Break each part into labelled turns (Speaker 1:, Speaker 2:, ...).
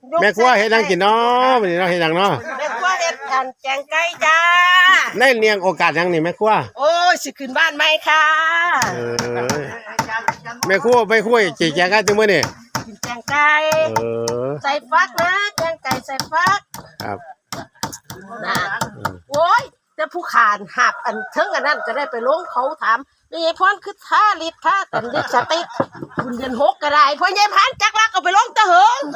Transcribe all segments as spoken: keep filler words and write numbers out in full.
Speaker 1: แม่ครัวเฮ็ดหยังกินเนาะมื้อนี้เนาะเฮ็ดหยังเนาะ
Speaker 2: แม่ครัวเฮ็ดอันแกงไก่จ้า
Speaker 1: ในเนียงโอกาสหยังนี่แม่ครัว
Speaker 2: โอ้ยสิขึ้นบ้านใหม่ค่ะ
Speaker 1: เออแม่ครัวไปครัวจีแกงกันจังมื้อนี่
Speaker 2: กินแกงไก่
Speaker 1: เออ
Speaker 2: ใส่ฟักนะแกงไก่ใส่ฟัก
Speaker 1: ครับ
Speaker 2: นะโอ้ยแต่ผู้ขานหักอันเทิงอันนั้นก็ได้ไปลงเขาถามมีไอ้พรคือท่าลิดท่าแต่ลิดสติกคุณเดือนหกก็ได้เพราะยายพันจักรักเอาไปลงตะเหิง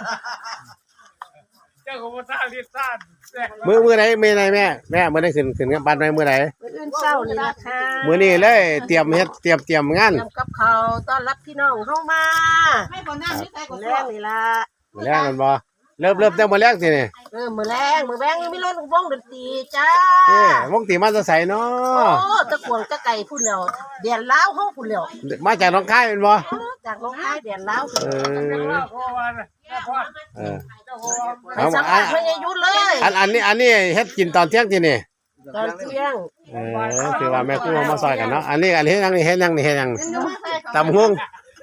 Speaker 3: เจ้าของท่าลิดท่า
Speaker 1: มื้อมื้อไหนมื้อไหนแม่แม่มื้อไหนขึ้นขึ้นบ้านไหนมื้อไหน
Speaker 2: มื้ออื่นเช้านี่ล่ะค่ะ
Speaker 1: มื้อนี้เลยเตรียมเฮ็ดเตรียมเตรียมงาน
Speaker 2: เตรียมกับเขาต้อนรับพี่น้องเฮามาให้บ่น้ำนี่ใส่ก็แรงนี่ล่ะ
Speaker 1: มื้อแรงมันบ่เริ่มเริ่มแต่มื้อแรงสินี่
Speaker 2: เออมื้อแรงมื้อแรงมีรถวงดนตรีจ้า
Speaker 1: เอ้วงดนตรีมาจะใส่เนาะ
Speaker 2: โอ้ตะกวงตะไก่พุ่นแล้วเดียนลาวเฮาพุ่นแล้ว
Speaker 1: มาจากหนองคายแม่นบ่
Speaker 2: จากหนองคายเดียนลาว
Speaker 1: เออเออ
Speaker 2: เอาสัมภาษณ์เพิ่นอย่าหยุดเลย
Speaker 1: อันอันนี้อันนี้เฮ็ดกินตอนเที่ยงสินี่
Speaker 2: ตอนเที่ยง
Speaker 1: เออคือว่าแม่ครัวมาซอยกันเนาะอันนี้อันนี้เฮ็ดหยังนี่เฮ็ดหยังนี่เฮ็ดหยังตำหุง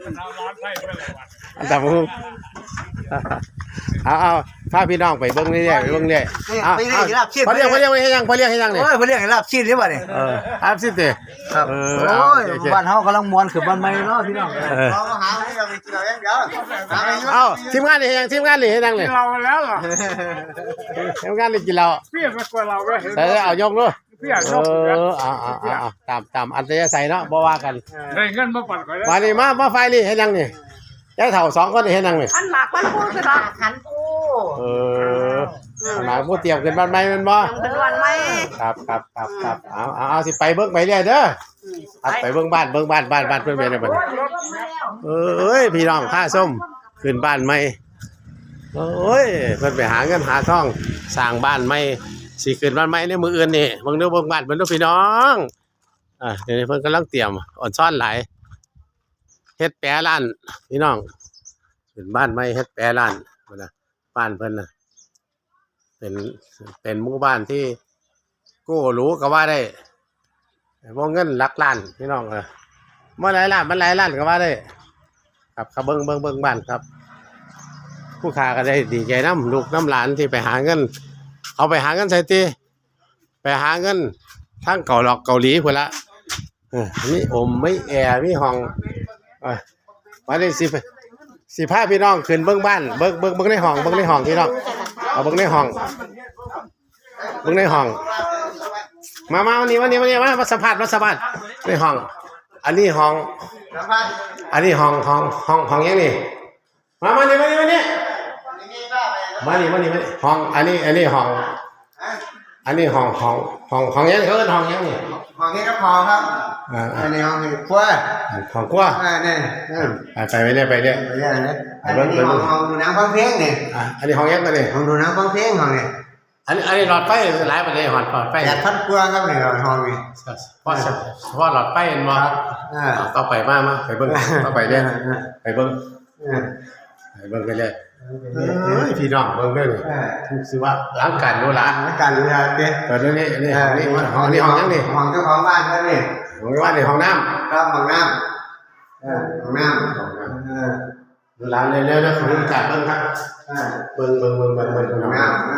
Speaker 1: ตำหุงเอาเอาพาพี่น้องไปเบิ่งนี่ไปเบิ่งนี่เอาเอาพอเรียกพอเรียกเฮ็ดหยังพอเรียกเฮ็ดหยังนี่
Speaker 4: โอ้ยเพิ่นเรียกให้ลาบชีสนี่บ่นี่
Speaker 1: เอออาบสิติ
Speaker 4: ครับเออโอ้ยบ้านเฮากำลังม่วนคือบ้านใหม่เนาะพี่น้องเออ
Speaker 1: เอาหาให้เราไปกินเอาอย่างเดียวเอาทีมงานนี่เฮ็ดหยังทีมงานนี่เฮ็ดหยังนี่
Speaker 3: เราแล้วเหรอ
Speaker 1: ทีมงานนี่กินเรา
Speaker 3: เพี่อนกว่าเราก็เห็น
Speaker 1: ใส่เอายกดู
Speaker 3: เพี่อน
Speaker 1: เออเอาเอาเอาตามตามอัธยาศัยเนาะบ่ว่ากัน
Speaker 3: ได้เงินมาปั่นก่อน
Speaker 1: มานี่มามาไฟนี่เฮ็ดหยังนี่ยายเฒ่าสองคนนี่เฮ็ดหยังนี่
Speaker 2: ขันหมากมันปูคือดอกขันปู
Speaker 1: เออหมากปูเตรียมขึ้นบ้านใหม่แม่นบ่
Speaker 2: เป็นวันใหม่
Speaker 1: ครับครับครับครับเอาเอาเอาสิไปเบิ่งไปเรื่อยเด้อครับไปเบิ่งบ้านเบิ่งบ้านบ้านบ้านเพิ่นเป็นจังได๋เอ้ยพี่น้องค่าส้มขึ้นบ้านใหม่โอ้ยเพิ่นไปหาเงินหาทองสร้างบ้านใหม่สิขึ้นบ้านใหม่ในมื้ออื่นนี่เบิ่งเด้อเบิ่งบ้านเพิ่นเด้อพี่น้องอ่าเดี๋ยวนี้เพิ่นกำลังเตรียมอ่อนซ้อนหลายเฮ็ดแปรร้านพี่น้องขึ้นบ้านใหม่เฮ็ดแปรร้านพุ่นน่ะบ้านเพิ่นน่ะเป็นเป็นหมู่บ้านที่กู้หรูก็ว่าได้วงเงินหลักล้านพี่น้องเออบ่หลายล้านมันหลายล้านก็ว่าได้ครับครับเบิ่งเบิ่งเบิ่งบ้านครับผู้ค้าก็ได้ดีใจนำลูกน้ำหลานที่ไปหาเงินเอาไปหาเงินใส่ติไปหาเงินทั้งเกาหลอกเกาหลีพุ่นละเออมีอมมีแอร์มีห้องเออมาได้สิสิพาพี่น้องขึ้นเบิ่งบ้านเบิ่งเบิ่งเบิ่งในห้องเบิ่งในห้องพี่น้องเอาเบิ่งในห้องเบิ่งในห้องมามาวันนี้วันนี้วันนี้มามาสัมภาษณ์มาสัมภาษณ์ในห้องอันนี้ห้องอันนี้ห้องห้องห้องห้องยังนี่มามานี่มานี่มานี่มานี่มานี่มานี่ห้องอันนี้อันนี้ห้องอันนี้ห้องห้องห้องห้องยังเขาเอิ้นห้องยังนี่
Speaker 4: ห้องนี้ก็พอครับอ่าอันนี้ห้องครัว
Speaker 1: ห้องครัว
Speaker 4: อ่านี่
Speaker 1: ไปไปเรื่อยไปเรื่อย
Speaker 4: ไปเรื่อยนะอันนี้ห้องห้องดูหนังฟังเพลงนี่
Speaker 1: อ่ะอันนี้ห้องยังก็นี่
Speaker 4: ห้องดูหนังฟังเพลงห้องนี่
Speaker 1: อันนี้อันนี้หลอดไฟหลายประเด็นหลอดไฟ
Speaker 4: แปดพันกว่าครับนี่ห้องนี่
Speaker 1: เพราะเพราะหลอดไฟมันบ่อ่าต่อไปมามาไปเบิ่งต่อไปเรื่อยไปเบิ่งไปเบิ่งไปเรื่อยเอ้ยพี่น้องเบิ่งเด้อนี่สิว่าหลังการโนล่ะ
Speaker 4: หลังการโนล่ะเด้
Speaker 1: เปิดนี่นี่ห้องนี้ห้องนี้ห้องยังนี่
Speaker 4: ห้องเจ้าของบ้านเพิ่นนี่
Speaker 1: ห้องบ้านนี่ห้องน้ำ
Speaker 4: ครับห้องน้ำเออห้องน้ำเออ
Speaker 1: หลานเร็วๆนะขอรู้จักเบิ่งครับเบิ่งเบิ่งเบิ่งเบิ่งเบิ่งห้องน้ำ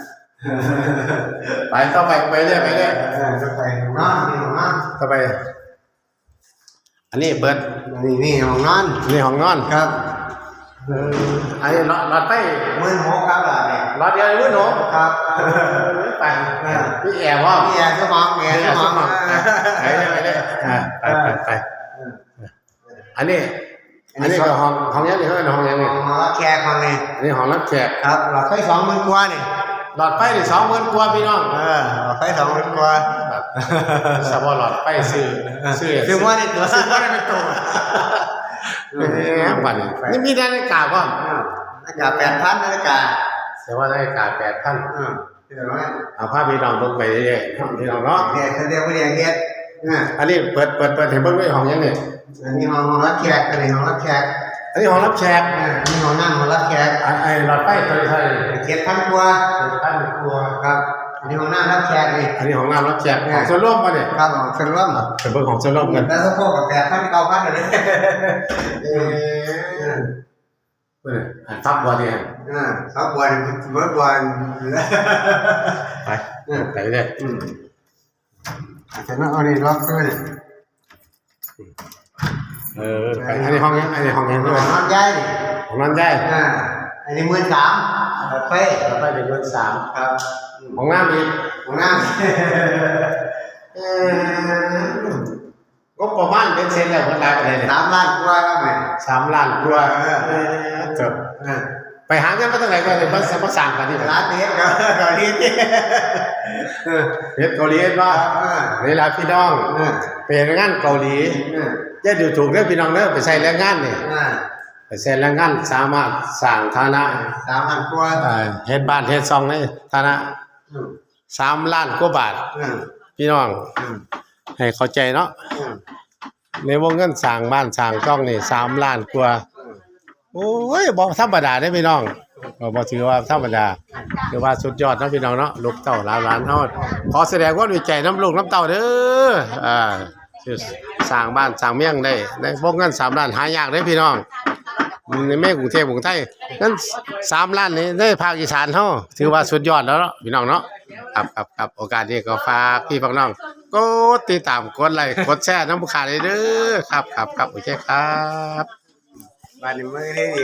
Speaker 1: ไปต่อไปไปเรื่อยไปเรื่อย
Speaker 4: ต่อไปห้องนอนนี่ห้องนอน
Speaker 1: ต่อไปอันนี้เปิด
Speaker 4: นี่นี่ห้องนอน
Speaker 1: นี่ห้องนอน
Speaker 4: ครับ
Speaker 1: เอออันนี้หลอดหลอดไฟ
Speaker 4: หมื่นหกครับล่ะนี่
Speaker 1: หลอดเดียวหมื่นหก
Speaker 4: ครับ
Speaker 1: ไปมีแอร์บ่
Speaker 4: มีแอร์สมองแอร์สมอง
Speaker 1: ไปเลยไปเลยไปไปไปอันนี้อันนี้ก็ห้องห้องยังนี่เขาเป็นห้องยังนี่
Speaker 4: ห้องรับแขกห้องนี่
Speaker 1: อันนี้ห้องรับแขก
Speaker 4: ครับหลอดไฟสองหมื่นกว่านี่
Speaker 1: หลอดไฟนี่สองหมื่นกว่าพี่น้อง
Speaker 4: เออหลอดไฟสองหมื่นกว่า
Speaker 1: สมมุติหลอดไฟซื้อซื้อ
Speaker 4: ซื้อว่านี่ตัวซื้อว่านี่เป็นตัว
Speaker 1: บัดนี่มีนาฬิกาบ่
Speaker 4: นาฬิกา แปดพัน นาฬิกา
Speaker 1: แต่ว่านาฬิกา แปดพัน
Speaker 4: เออเดี๋ยวนะ
Speaker 1: เอาพาพี่น้องเบิ่งไปเรื่อยๆพี่น้องเนาะ
Speaker 4: เนี่ยเขาเรียกว่าเรียกเฮ็ด
Speaker 1: อันนี้เปิดเปิดเปิดให้เบิ่งด้วยห้องยังนี่
Speaker 4: อันนี้ห้องห้องรับแขกอันนี้ห้องรับแขก
Speaker 1: อันนี้ห้องรับแขก
Speaker 4: อันนี้ห้องนั่งห้องรับแขก
Speaker 1: ไอ้หลอดไฟตัวนี้เท่าไหร่
Speaker 4: เจ็ดพันกว่า
Speaker 1: เจ็ดพันกว่า
Speaker 4: ครับอันนี้ห้องน้ำรับแขกนี่
Speaker 1: อันนี้ห้องน้ำรับแขกของส่วนร่วมป่ะเนี่ย
Speaker 4: ครับของส่วนร่วม
Speaker 1: เป็นเบิ่งของส่วนร่วมกัน
Speaker 4: แล้วก็พวกกับแปดพันเก้าพันเลย
Speaker 1: อเอออันทับบัวเนี่ย
Speaker 5: อ่าครับวันเมื่อวัน
Speaker 1: ไปไปเลย
Speaker 5: อืมแต่นั่นเอานี่ล็อกด้วย
Speaker 1: เออไปอันนี้ห้องนี้อันนี้ห้องนี้
Speaker 5: น
Speaker 1: ด้วย
Speaker 5: อนใหญ่
Speaker 1: ของนั้นได้
Speaker 5: อ่าอันนี้หมื่นสามเฟ้
Speaker 1: แล้วไปเป็นเงินสาม
Speaker 5: ครับ
Speaker 1: ของน้ำอีก
Speaker 5: ของน้
Speaker 1: เออก็ประมาณเป็นเซนแล้วมันได้ไปเลย
Speaker 5: ำ
Speaker 1: เนี่ย
Speaker 5: สามล้านกว่าครับแม่
Speaker 1: สามล้านกว่าเออจบ
Speaker 5: อ่า
Speaker 1: ไปหาเงินมาตั้งไหนก็เลยมามาสั่งกันที่
Speaker 5: ร้านนี้ก็ก็นี่เออ
Speaker 1: เพชรเกาหลีเห็นว่า
Speaker 5: อ่า
Speaker 1: นี่ละพี่น้อง
Speaker 5: อ่า
Speaker 1: เป็นงานเกาหลี
Speaker 5: อ่า
Speaker 1: อย่าดูถูกเด้อพี่น้องเด้อไปใช้แรงงานนี่
Speaker 5: อ่า
Speaker 1: ไปใช้แรงงานสามารถสร้างฐานะ
Speaker 5: สามล้านกว่า
Speaker 1: เอ่อเฮ็ดบ้านเฮ็ดซองในฐานะ
Speaker 5: อืม
Speaker 1: สามล้านกว่าบาท
Speaker 5: อืม
Speaker 1: พี่น้อง
Speaker 5: อืม
Speaker 1: ให้เข้าใจเนาะ
Speaker 5: อืม
Speaker 1: ในวงเงินสร้างบ้านสร้างช่องนี่สามล้านกว่าโอ้ยบ่ธรรมดาเด้อพี่น้องบ่บ่ถือว่าธรรมดาถือว่าสุดยอดเนาะพี่น้องเนาะลูกเต้าหลานหลานเฮาขอแสดงความดีใจน้ำลูกน้ำเต้าเด้ออ่าที่สร้างบ้านสร้างเมียงได้ในวงเงินสามล้านหายากเด้อพี่น้องในแม่กรุงเทพกรุงไทยนั้นสามล้านนี่ในภาคอีสานเฮาถือว่าสุดยอดแล้วเนาะพี่น้องเนาะครับครับครับโอกาสนี้ก็ฝากพี่ฝากน้องกดติดตามกดไลค์กดแชร์น้ำผู้ขาดเลยเด้อครับครับครับโอเคครับ
Speaker 5: บ้านนี้ไม่ได้